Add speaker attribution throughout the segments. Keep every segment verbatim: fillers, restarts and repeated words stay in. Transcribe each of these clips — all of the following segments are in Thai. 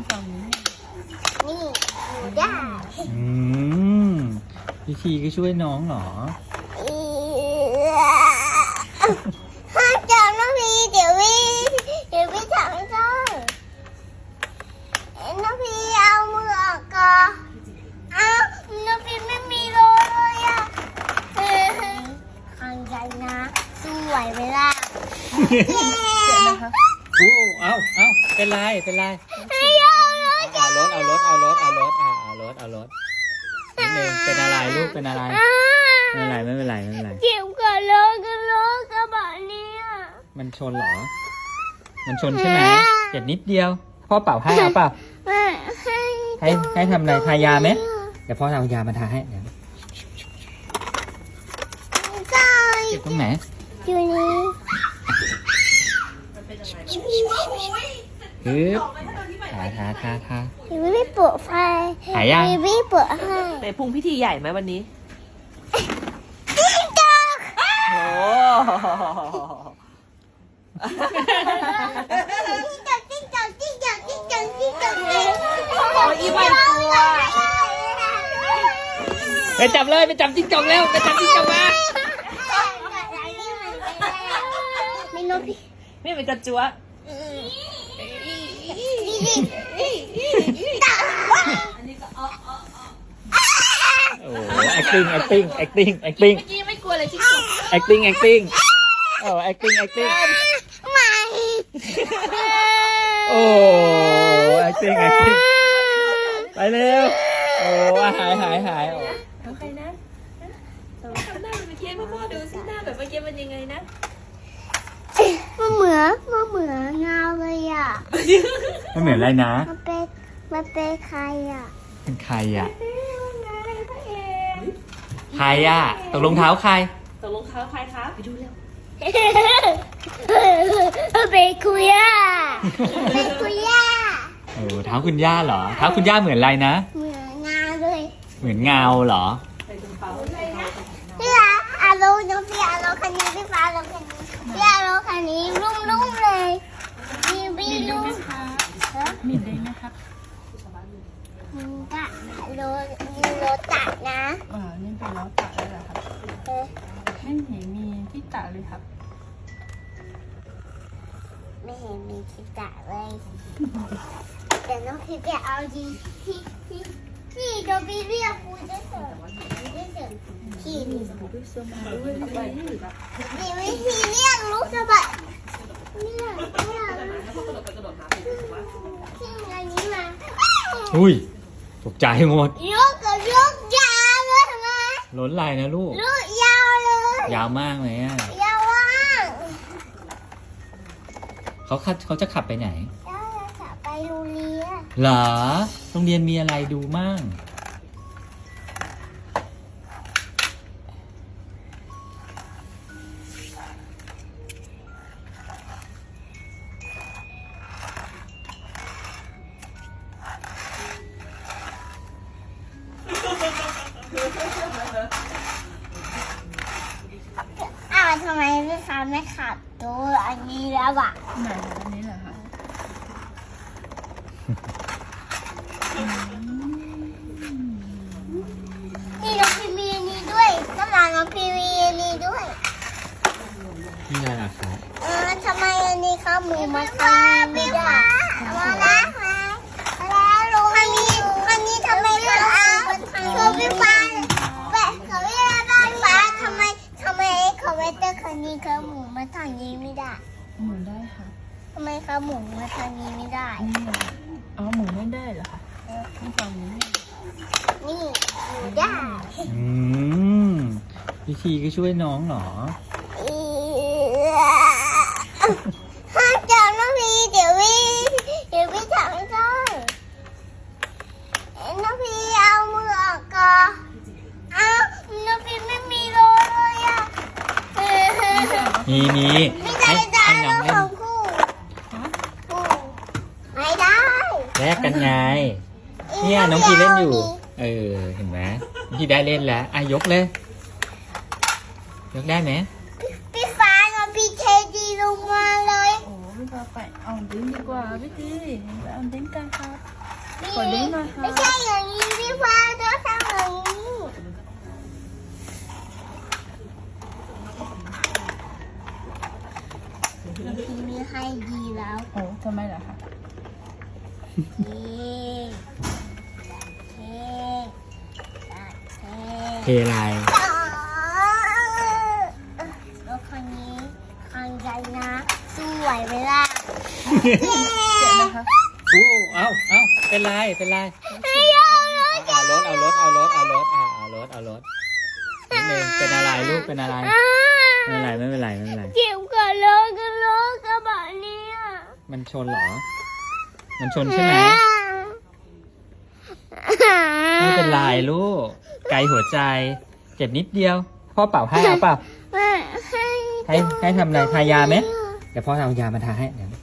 Speaker 1: ฝั่งนี้
Speaker 2: นี่หนูได้
Speaker 3: อืมพี่ทีก็ช่วยน้องเหรอ
Speaker 2: ห้ามจับน้องพีเดี๋ยววิเดี๋ยววิทำจ้องน้องพีเอามือออกก่อนอ้าวน้องพีไม่มีโลเลยอ่ะขังใจนะสู้ไหวไหมล่ะ
Speaker 1: เสร็จแล้วคะ
Speaker 3: โอ้เอาเอาเป็นไรเป็นไร
Speaker 2: ให้เอาเลย
Speaker 3: เอารถเอารถเอารถเอารถอ่าเอารถเอารถนิดนึงเป็นอะไรลูกเป็นอะไรไม่เป็นไรไม่เป็นไรไม่เป็นไร
Speaker 2: เจ็บกับโลกับโลกระบะเนี่ย
Speaker 3: มันชนเหรอ มันชนใช่ไหมเจ็บนิดเดียวพ่อเป่าให้เอาเปล่า
Speaker 2: ให้
Speaker 3: ให้ให้ทำอะไรทายาไหมเดี๋ยวพ่อเอายามาทาให้เดี๋ยว
Speaker 2: ใช่
Speaker 3: เจ็บตรงไหน
Speaker 2: อยู่นี่
Speaker 3: ปึ๊บทาทาทาทา
Speaker 2: พี่ไม่เปิดไฟ
Speaker 3: หายยัง
Speaker 2: พี่ไม่เปิดให้
Speaker 1: แต่พุงพิธีใหญ่ไหมวันนี้
Speaker 2: จิ้งจอก
Speaker 1: โอ้
Speaker 2: จิ้งจอกจิ้งจอกจิ้งจอกจิ้งจอกจิ้งจอก
Speaker 1: โอ้ยไม่กลัว
Speaker 3: ไปจับเลยไปจับจิ้งจอกแล้วไปจับจิ้งจอกมา
Speaker 2: ไม่นกพี่
Speaker 1: ไม่เป็นกระจัว
Speaker 3: โอ้โห acting acting acting acting
Speaker 1: เมื่อกี้ไม่กลัวเลยจิ้งจอก
Speaker 3: acting acting โอ้ acting acting
Speaker 2: ไม่
Speaker 3: โอ้ acting acting ไปเร็วโอ้หายหายหายโอ้
Speaker 1: ทำใครนะทำหน้าเป็นเมื่อกี้พ่อพ่อดูสิหน้าแบบเมื่อกี้มันยังไงนะ
Speaker 2: มันเหมือนมันเหมือนเงาเลยอ่ะ
Speaker 3: ไม่เหมือนอะไรนะ
Speaker 2: มันเป็นมันเป็นใครอ่ะ
Speaker 3: เป็นใครอ่ะใครอ่ะตกรองเท้าใคร
Speaker 1: ตกลงเท้าใครคะไปดูเร็ว
Speaker 2: เป็นคุยอ่ะเป็นคุยอ่ะ
Speaker 3: โอ้เท้าคุณย่าเหรอเท้าคุณย่าเหมือนอะไรนะ
Speaker 2: เหมือนเงาเลย
Speaker 3: เหมือนเงาเหรอ
Speaker 1: ใส่ถุงเท้า
Speaker 2: พี่อาอาโลน้องพี่อาโลคันนี้พี่ฟ้าอาโลคันนี้พี่อาโลคันนี้รุ่มรุ่มเลยมีวีรุ่ม
Speaker 1: มีได้ไหมคะ
Speaker 2: มีกะโลมีโลตัดนะ
Speaker 1: อ่านี่เป็นล้อตัดแล้วเหรอครับ
Speaker 2: เออ
Speaker 1: ไม่เห็นมีที่ตัดเลยครับ
Speaker 2: ไม่เห็นมีที่ตัดเลยแต่น้องพี่ไปเอาดีที่ที่ที่โดบีเรียกกูจะเถอะจะเถอะพี่นี่
Speaker 1: ด้วยเสื้อมาด้วยไปที่แบบ
Speaker 2: มีวิธีเรียกลูกสะบัดเนี่ยเนี่ย
Speaker 1: แล้วพอกระโดดไปกระโดดมาเป็นว่า
Speaker 2: ที่อันนี้มา
Speaker 3: อุ้ยตกใจหมด
Speaker 2: ยกกับยกยาวเลยมา
Speaker 3: ล้นไหลนะลูก
Speaker 2: ลูกยาวเลย
Speaker 3: ยาวมากเลยอ่ะ
Speaker 2: ยาวว่าง
Speaker 3: เขาขับเขาจะขับไปไหน
Speaker 2: แล้วเราจะไปโรงเรียน
Speaker 3: เหรอโรงเรียนมีอะไรดูมั่ง
Speaker 2: อ้าวทำไมพี่ฟ้าไม่ขับตัวอันนี้แล้วอ่ะ
Speaker 1: ไหนอันนี้เหรอคะ
Speaker 2: นี่น้องพีมีอันนี้ด้วยน้ำลายน้องพีมีอันนี้ด้วย
Speaker 3: นี่อะไรล่ะครับ
Speaker 2: เออทำไมอันนี้เขาหมูมาทำไม่ได้มาแล้วมาแล้วลุงอันนี้อันนี้ทำไมเขาเอาคือพี่ฟ้าแบบเขาไม่ได้บ้านฟ้าทำไมทำไมเขาไม่เตอร์คันนี้เขาหมูมาทางนี้ไม่ได้
Speaker 1: หมุนได้ค่ะ
Speaker 2: ทำไมเขาหมูมาทางนี้ไม่ได้
Speaker 1: นี่อ๋อหมุนไม่ได้เหรอคะนี่ฝั่งนี้
Speaker 2: นี่หมูได้
Speaker 3: อืมพี่ทีก็ช่วยน้องเหรอ
Speaker 2: ห้ามจับน้องพีเดี๋ยววิเดี๋ยววิทำจ้องน้องพีเอามือออกก่อนอ้าวน้องพีไม่มีโลเลยอ่ะ
Speaker 3: มีมี
Speaker 2: ไม่
Speaker 3: ให้
Speaker 2: ได้
Speaker 3: ให้
Speaker 2: ได้
Speaker 3: น้อง
Speaker 2: ข
Speaker 3: เล่
Speaker 2: อน งคู่คู่ไม่ได้
Speaker 3: แลกกันไง เนี่ยน้องพีเล่นอยู่ เออเห็นไหมน้องพีได้เล่นแล้วอ่ะยกเลย ยกได้ไหม
Speaker 2: พี่ฟ้าน้องพีเทดีลงมาเลย
Speaker 1: โอ้ไม่ก็ไปเอาดิ้งดีกว่าพี่ทีไปเอาดิ้งกันครับขอดิ้งหน่อยครับ
Speaker 2: ไม่ใช่อย่างนี้พี่ฟ้าต้องทำอย่างนี้พี่มีให้ดีแล้ว
Speaker 1: โอ้ทำไมล่ะคะ
Speaker 2: เฮ้เฮ้เฮ้
Speaker 3: เทลาย
Speaker 2: แล้วครั้งนี้ครั้งใหญ่นะสู้ไหวไหมล่ะ
Speaker 1: เจ็บนะคะ
Speaker 3: อู้เอาเอาเป็นไรเป็นไรเอารถเอารถเอารถเอารถอ่าเอารถเอารถนิดนึงเป็นอะไรลูกเป็นอะไรไม่เป็นไรไม่เป็นไรไม่เป็นไร
Speaker 2: เจ็บกันเลยกันเลยกระบะนี้
Speaker 3: มันชนเหรอ มันชนใช่ไหมไม่เป็นไรลูกไกลหัวใจเจ็บนิดเดียวพ่อเป่าให้เอาเปล่า
Speaker 2: ให้
Speaker 3: ให้ให้ทำอะไรทายาไหมเดี๋ยวพ่อเอายามาทาให้เดี๋ยว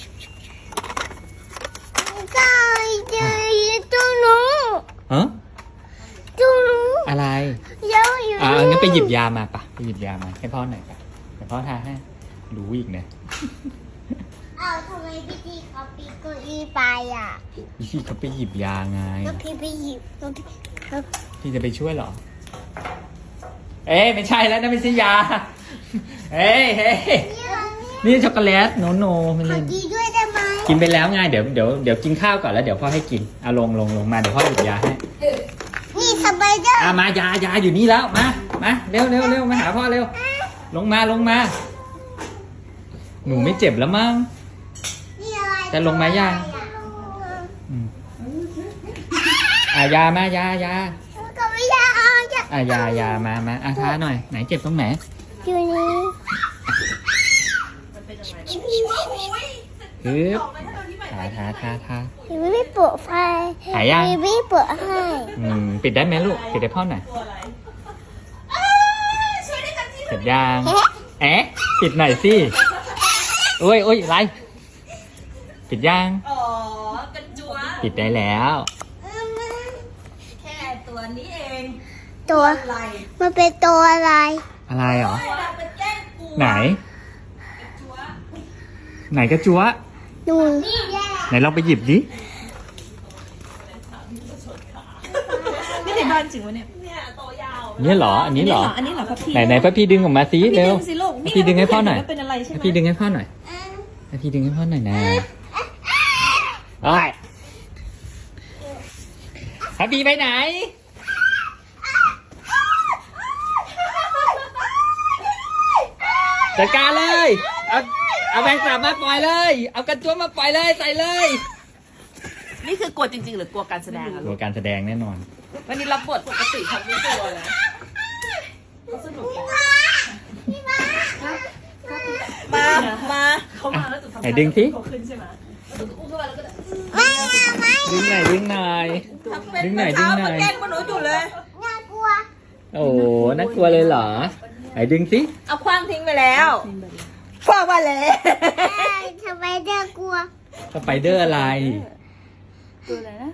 Speaker 2: ก็จะตู้นู้
Speaker 3: ฮะ
Speaker 2: ตู้นู้
Speaker 3: อะไร
Speaker 2: เยอะอยู่
Speaker 3: อ่างั้นไปหยิบยามาปะไปหยิบยามาให้พ่อหน่อยปะเดี๋ยวพ่อทาให้รู้อีกเนี่ย
Speaker 2: เอาทำไมพี่จีเขาปีนเก้าอี้ไปอ่ะ
Speaker 3: พี่เขาไปหยิบยาไง
Speaker 2: แล้วพี่ไปหยิบแล้วพี่แล้ว
Speaker 3: พี่จะไปช่วยเหรอ เอ้ยไม่ใช่แล้วนั่นไม่ใช่ยาเฮ้ยเฮ้ย
Speaker 2: นี่
Speaker 3: นี่ช็อกโกแลตโนโนไม่
Speaker 2: ขอ
Speaker 3: เล่น
Speaker 2: กินด้วยได้ไหม
Speaker 3: กินไปแล้วไงเดี๋ยวเดี๋ยวเดี๋ยวกินข้าวก่อนแล้วเดี๋ยวพ่อให้กินเอาลงลงลงมาเดี๋ยวพ่อหยิบยาให้
Speaker 2: นี่สไปเดอร์
Speaker 3: อ่ะมายายาอยู่นี่แล้วมามาเร็วเร็วเร็วมาหาพ่อเร็วลงมาลงมา หนูไม่เจ็บแล้วมั้ง
Speaker 2: นี่อะไร
Speaker 3: จะลงมายัง อืมอ่ะยามายายา
Speaker 2: ก็ไม่อยากเอาจะ
Speaker 3: อ่ะยายามามาอ่ะทาหน่อยไหนเจ็บตรงไหน
Speaker 2: อยู่นี่
Speaker 3: ฮึบทาทาทาทา
Speaker 2: ยังไม่เปิดไฟ
Speaker 3: หายยัง
Speaker 2: ยังไม่เปิดให้
Speaker 3: อืมปิดได้ไหมลูกปิดได้พ่อหน่อยปิดยังเอ๊ะปิดหน่อยสิโอ้ยโอ้ยไรปิดยัง
Speaker 1: อ๋อกระจัว
Speaker 3: ปิดได้แล้ว
Speaker 1: แค่ตัวนี้เอง
Speaker 2: ตัว
Speaker 1: อะไร
Speaker 2: มันเป็นตัวอะไร
Speaker 3: อะไรเหรอ
Speaker 1: เป็นแก้งกู
Speaker 3: ไหน ไหนกระจัว
Speaker 2: หนู
Speaker 3: ไหนลองไปหยิบดิ
Speaker 1: นี่ในบ้านจริงวะเนี่ยเนี่ยตัวยาว
Speaker 3: เนี่ยเหรออันนี้เหรอ
Speaker 1: อันนี้เหรอครับพี่
Speaker 3: ไหนไหนพ่อพี่ดึงออกมาสิ
Speaker 1: พี่
Speaker 3: เร็ว
Speaker 1: ดึงสิลูก
Speaker 3: ให้พี่ดึงให้พ่อหน่อย
Speaker 1: ว่าเป็นอะไรใช่ไหม
Speaker 3: ให้พี่ดึงให้พ่อหน่อยให้พี่ดึงให้พ่อหน่อยนะโอ้ยให้พี่ไปไหนจัดการเลยเอาเอาแบงค์กลับมาปล่อยเลย เอากระจัวมาปล่อยเลยใส่เลย
Speaker 1: นี่คือกลัวจริงๆหรือกลัวการแสดงอะ
Speaker 3: ตัวการแสดงแน่นอน
Speaker 1: วันนี้รับบทปกติทำไม่กลัวนะสนุกมา มาเขามาแล้วจุดทำ
Speaker 3: ไหนดึงสิ
Speaker 1: เขาขึ้นใช่ไหมอุ้มขึ้นมาแล้วก็
Speaker 2: ไม่เอาไม่
Speaker 3: ดึงหน่อยดึงหน่อย ดึงหน่อยดึงหน่อย
Speaker 1: แกล้งมันหนูอยู่เลย
Speaker 2: น่ากลัว
Speaker 3: โอ้โหน่ากลัวเลยเหรอไหนดึงสิ
Speaker 1: เอาคว้างทิ้งไปแล้วคว้างมาแล้ว
Speaker 2: ทำไมเด็กกลัว
Speaker 3: สไปเดอร์อะไร
Speaker 1: ตัวอะไรนะ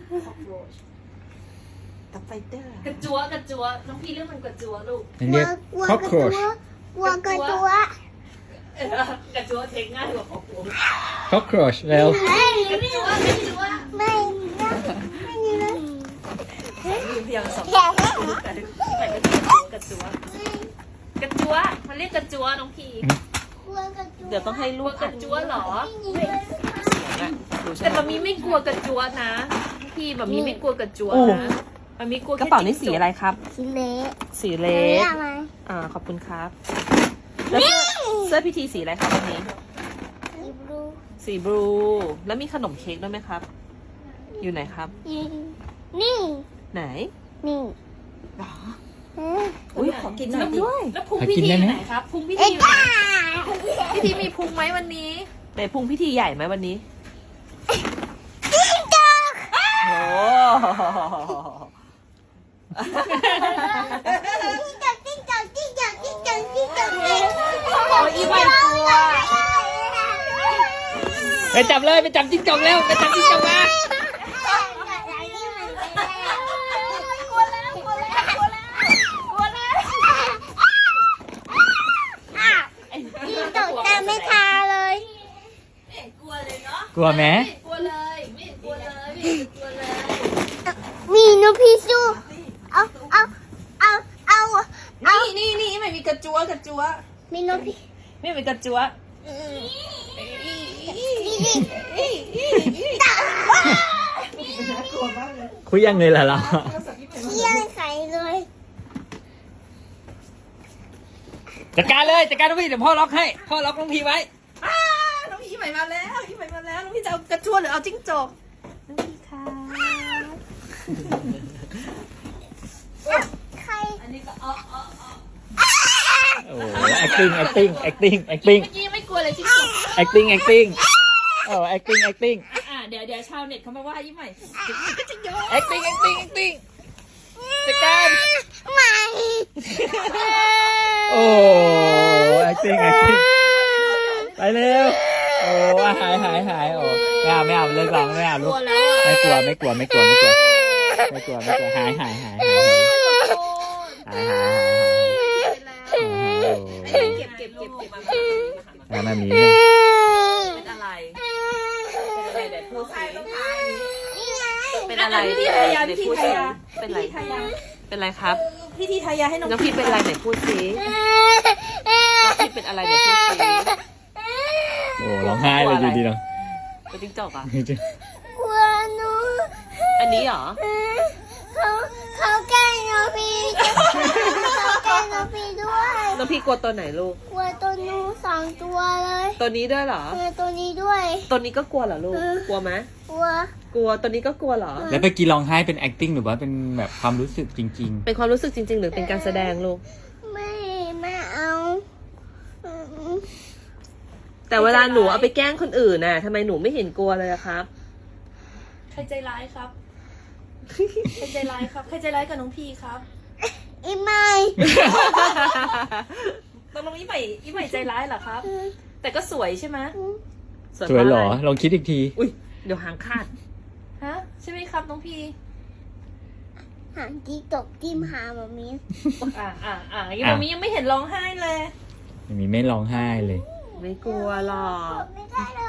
Speaker 1: ตับไฟเตอร์กระจัวกระจัวน้องพี่เรื่องมันกระจัวลูก
Speaker 3: มันเรียก
Speaker 2: กลัว
Speaker 3: cockroach
Speaker 2: กลัวกระตัว
Speaker 1: กระจัวเทคง่ายกว่าของผม
Speaker 3: cockroach เร็ว
Speaker 2: ไม่
Speaker 1: กระจัวกระจัว
Speaker 2: ไม่ไม่ไม่เลย
Speaker 1: เพียงสอง
Speaker 2: แค่นี้
Speaker 1: แต่กระจัวกระจัวมันเรียกกระจัวน้องพี่
Speaker 2: กลัวกระตัว
Speaker 1: เดี๋ยวต้องให้ลูกกระจัวเหรอแต่มามีไม่กลัวกระจัวนะพี่มามีไม่กลัวกระจัวนะมามีกลัว
Speaker 4: กระเป๋านี่สีอะไรครับ
Speaker 2: สีเละ
Speaker 4: สีเล
Speaker 2: เละ
Speaker 4: ส
Speaker 2: ไหม
Speaker 4: อ่า ขอบคุณครับแล้วเสื้อเสื้อพิธีสีอะไรครับวันนี้
Speaker 2: สีบลู
Speaker 4: สีบลู แล้วมีขนมเค้กด้วยไหมครับ อยู่ไหนครับ
Speaker 2: นี่
Speaker 4: ไหน
Speaker 2: นี่
Speaker 4: หรอ
Speaker 2: เอ๊ะ
Speaker 4: อุ้ยขอกินหน่อยดิ
Speaker 1: แล้วพุงพิธีอยู่ไหนครับพุงพิ
Speaker 2: เอ็
Speaker 1: ธี
Speaker 2: ก
Speaker 1: อยู่ไหน
Speaker 2: ซ์
Speaker 1: พิธีมีพุงไหมวันนี้
Speaker 4: ไหนพุงพิธีใหญ่ไหมวันนี้
Speaker 2: จิ้งจอก
Speaker 4: โอ้
Speaker 2: จิ้งจอกจิ้งจอกจิ้งจอกจิ้งจอกจิ้งจอก
Speaker 4: โอ้ยอีไม่กลัว
Speaker 3: ไปจับเลยไปจับจิ้งจอกแล้วไปจับจิ้งจอกมา
Speaker 2: จิ้งจอกแต่ไม่ทาเลย
Speaker 3: กลัวไหม
Speaker 1: ไม่กลัวเลยไม่กลัวเลยไม่กลัวเลย
Speaker 2: มีนกพิซูเอาเอาเอาเอาเอา
Speaker 4: นี่นี่นี่ไม่มีกระจัวกระจัว
Speaker 2: มีนกพิ
Speaker 4: ไม่มีกระจัว
Speaker 3: คุยยังเลยล่ะเรา
Speaker 2: เที่ยงใส่เลย
Speaker 3: จัดการเลยจัดการน้องพี่เดี๋ยวพ่อล็อกให้พ่อล็อกน้องพี่ไว้
Speaker 4: อ้าน้องพี่ใหม่มาแล้วพี่ใหม่มาแล้วน้องพี่จะเอากระจัวหรือเอาจิ้งจกน้องพี่ค่ะ
Speaker 2: ใคร
Speaker 1: อันนี้ก็อ๋ออ๋ออ๋อ
Speaker 3: โอ้โห acting acting acting acting
Speaker 1: เมื่อกี้ไม่กลัวเลยจริงๆ
Speaker 3: acting acting โอ้ acting acting
Speaker 1: อ่ะเดี๋ยวเดี๋ยวชาวเน็ตเขามาว่ายิ้มใหม่
Speaker 3: acting acting acting จัดการ
Speaker 2: ไม่
Speaker 3: โอ้ acting acting ไปเร็วโอ้หายหายหายโอ้ไม่เอาไม่เอาเลิกร้องไม่เอาลูกไม่กลัวไม่กลัวไม่กลัวไม่กลัวไม่กลัวไม่กลัวหายหายหายหายหายหายหาย
Speaker 4: เก็บเก็บเก็บเก็บมา
Speaker 3: แล้วมามีเนี่ย
Speaker 4: เป็นอะไรเป็นอะไรเดี๋ยวพูดสิเป็น
Speaker 1: อะ
Speaker 4: อะไร ไร
Speaker 1: พี่ทายา
Speaker 4: เดี๋ยว
Speaker 1: พี่
Speaker 4: พูด
Speaker 1: ทา
Speaker 4: สิ
Speaker 1: ยา
Speaker 4: เป็นไร
Speaker 1: พี่ทายา
Speaker 4: เป็นไรครับ
Speaker 1: พี่ทีทายาให้น้อง
Speaker 4: น้องพี่เป็นอะไรไหนพูดสิน้องพี่เป็นอะไรเดี๋ยวพูดสิ
Speaker 3: โอ้ร้องไห้เลยอยู่ดีเนาะ
Speaker 4: เป็นจิ้งจกอ่ะ
Speaker 2: กลัวหนู
Speaker 4: อันนี้เหรอ
Speaker 2: เขาเขาแกล้งน้องพี่เขาแกล้งน้องพี่ด้วย
Speaker 4: น้องพี่กลัวตัวไหนลูก
Speaker 2: กลัวตัวหนูสองตัวเลย
Speaker 4: ตัวนี้ด้วยเหรอ
Speaker 2: กลัวตัวนี้ด้วย
Speaker 4: ตัวนี้ก็กลัวเหรอลูก กลัวไหม
Speaker 2: กลัว
Speaker 4: กลัวตัวนี้ก็กลัวเหรอ
Speaker 3: แล้วไปกี้ร้องไห้เป็น acting หรือว่าเป็นแบบความรู้สึกจริง
Speaker 4: เป็นความรู้สึกจริง ๆ หรือเป็นการแสดงลูก
Speaker 2: ไม่ไม่เอาอืม
Speaker 4: แต่เวลาหนูเอาไปแกล้งคนอื่นน่ะทำไมหนูไม่เห็นกลัวเลยอะครับ
Speaker 1: ใครใจร้ายครับใครใจร้ายครับใครใจร้ายกับน้องพีครับ
Speaker 2: อีไม่
Speaker 1: ตกลงยิ้มใหม่ยิ้มใหม่ใจร้ายเหรอครับ แต่ก็สวยใช่ไหม
Speaker 3: ๆ สวยเหรอ ลองคิดอีกที
Speaker 4: อุ้ยเดี๋ยวหางขาด
Speaker 1: ฮะใช่ไหมครับน้องพี
Speaker 2: หางจีตกจิ้มหาแบบนี้
Speaker 1: อ่าอ่าอ่ายังมามียังไม่เห็นร้องไห้เลย
Speaker 3: มีไม่ร้องไห้เลย
Speaker 4: ไม่กลัวหรอก
Speaker 2: ไม่ได้เลย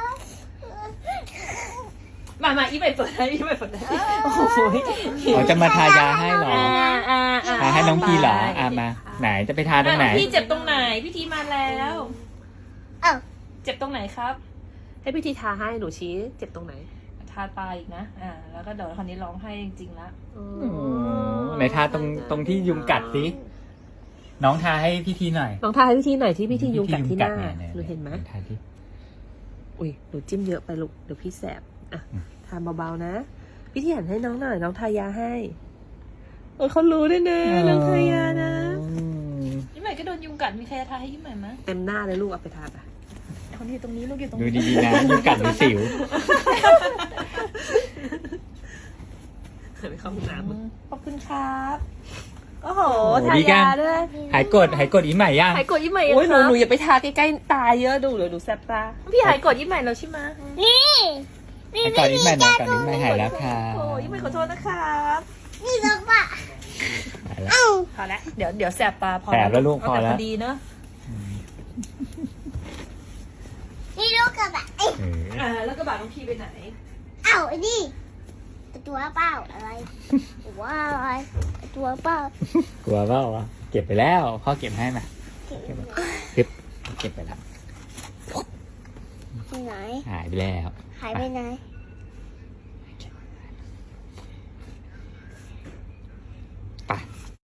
Speaker 1: มามายิ้มใหม่เปิดให้ยิ้มใหม่เปิดให้โอ้โห
Speaker 3: เขาจะมาทายาให้เหรอ
Speaker 1: อ่าอ่าอ่า
Speaker 3: ทาให้น้องพี่เหรออ่ะมา ไหนจะไปทาตรงไหน
Speaker 1: พี่เจ็บตรงไหนพี่ทีมาแล้ว
Speaker 2: เอ้า
Speaker 1: เจ็บตรงไหนครับ
Speaker 4: ให้พี่ทีทาให้หนูชี้ เจ็บตรงไหน
Speaker 1: ทาปลายอีกนะ อ่า แล้วก็เดี๋ยวคนนี้ร้องไห้จริงๆละ
Speaker 4: อ๋อ
Speaker 3: โอ้ไหนทาตรงตรงที่ยุงกัดสิ น้องทาให้พี่ทีหน่อย
Speaker 4: ลองทาให้พี่ทีหน่อยที่พี่ทียุงกัดที่หน้า
Speaker 3: เย
Speaker 4: หนูเห็นไหม
Speaker 3: ทาที่
Speaker 4: อุ้ยหนูจิ้มเยอะไปลูกเดี๋ยวพี่แสบอ่ะ
Speaker 3: อืม
Speaker 4: ทาเบาๆนะ พี่ทีหันให้น้องหน่อยน้องทายาให้โอ้ยเขารู้ด้วยนะน้องทายานะ
Speaker 3: อืม
Speaker 1: ยิ้มใหม่ก็โดนยุงกัดมีใครจะทาให้ยิ้มใหม่ไหม
Speaker 4: เต็มหน้าเลยลูกเอาไปทาไป
Speaker 1: คนที่ตรงนี้ลูกอยู่ตรง
Speaker 3: ดู
Speaker 1: นี้
Speaker 3: ดีๆนะยุงกัดหรือสิว
Speaker 4: ไปเข้าห้องน้ำมึง
Speaker 1: ขอบคุณครับ
Speaker 4: โอ้โห
Speaker 3: โอ้โห
Speaker 4: ทา
Speaker 3: ดีจัง
Speaker 4: ยาด้วย
Speaker 3: หายกดหายกดอีใหม่ยัง
Speaker 4: หายกดยิ้มใหม่โอ้ยหนูหนูอย่าไปทาใกล้ๆตาเยอะดูเดี๋ยวหนูแสบตา
Speaker 1: พี่หายกดยิ้มใหม่แล้วใช่ไหม
Speaker 2: นี่นี่
Speaker 3: หายกดอีใหม่หน่อยก่อนอีใหม่หายแล้วค่ะ
Speaker 1: โอ้ยยิ้มใหม่ขอโทษนะครับ
Speaker 2: นี่ลูกปะ
Speaker 3: หายแล้ว
Speaker 2: เอ้า
Speaker 1: พอแล้วเดี๋ยวเดี๋ยวแสบตาพอ
Speaker 3: แสบแล้วลูก
Speaker 1: เอา
Speaker 3: พอ
Speaker 1: แต่
Speaker 3: แล้ว
Speaker 1: พอดีเนอะ
Speaker 2: นี่ลูกกระบะเอ้ย
Speaker 3: เออ
Speaker 1: อ่าแล้วก็บาดน้องพี่ไปไหน
Speaker 2: เอ้าไอ้นี่ตัวเปล่าอะไรตัวอะไรตัวเปล่าก
Speaker 3: ลัวเปล่าวะเก็บไปแล้วพ่อเก็บให้มาเก็บไปเก็บเก็บไปแล้ว
Speaker 2: ที่ไหน
Speaker 3: หายไปแล้ว
Speaker 2: หายไปไหน
Speaker 3: ไป